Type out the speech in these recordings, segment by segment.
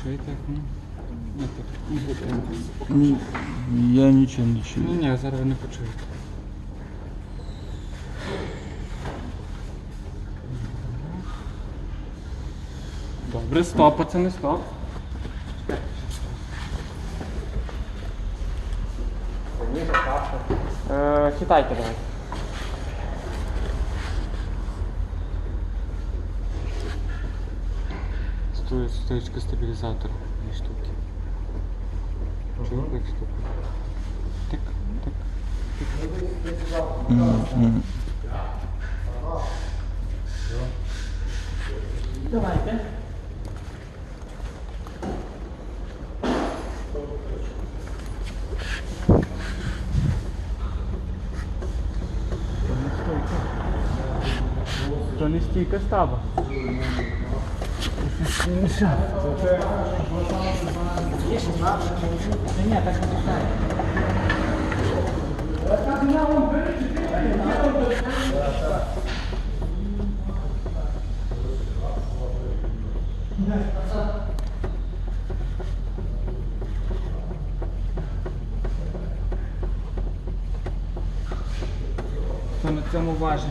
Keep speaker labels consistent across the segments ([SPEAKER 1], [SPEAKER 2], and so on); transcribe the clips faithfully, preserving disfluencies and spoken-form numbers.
[SPEAKER 1] чуєте, як ну? Не так. Не буде.
[SPEAKER 2] Ні, я нічого не чую.
[SPEAKER 1] Ні, ні, зараз ви не почуєте. Добре, стоп, пацани, стоп. Е, Хитайте давай. Сто- Стоечка стабілізатора. Дві штуки. Чого так штука? Тик, тик.
[SPEAKER 2] Мгм.
[SPEAKER 1] Давайте. То не стійка стаба. Ні, так не пускає. То на цьому важимо.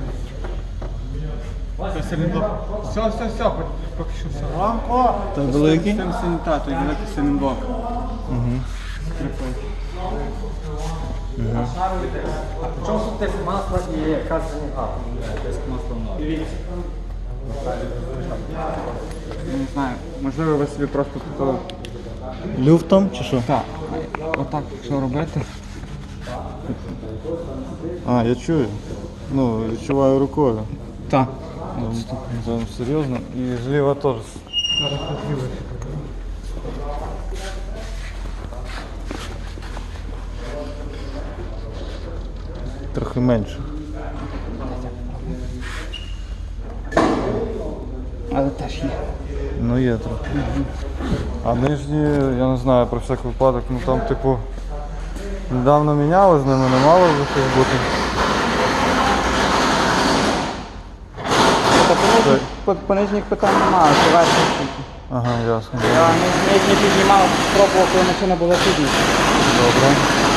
[SPEAKER 1] Це силінблок. Все, все, все, поки що все.
[SPEAKER 2] Та великий?
[SPEAKER 1] З цим санітатом, той великий силінблок.
[SPEAKER 2] Угу.
[SPEAKER 3] В чому суть тиск масла і касаний газ? Тиск масла в ноль.
[SPEAKER 1] Я не знаю, можливо ви собі просто тут...
[SPEAKER 2] Люфтом чи що?
[SPEAKER 1] Так, отак, якщо робити.
[SPEAKER 2] А, я чую. Ну, відчуваю рукою.
[SPEAKER 1] Так.
[SPEAKER 2] Там серйозно. І зліва теж. Трохи менше.
[SPEAKER 1] Але теж є.
[SPEAKER 2] Ну є трохи. А нижні, я не знаю, про всяк випадок, ну там типу недавно міняли, з ними не мало вже щось бути.
[SPEAKER 1] По, по нижніх питань немає, це верхні штуки.
[SPEAKER 2] Ага, ясно.
[SPEAKER 1] Я нижні піднімав, спробував, коли машина була підніша.
[SPEAKER 2] Добре.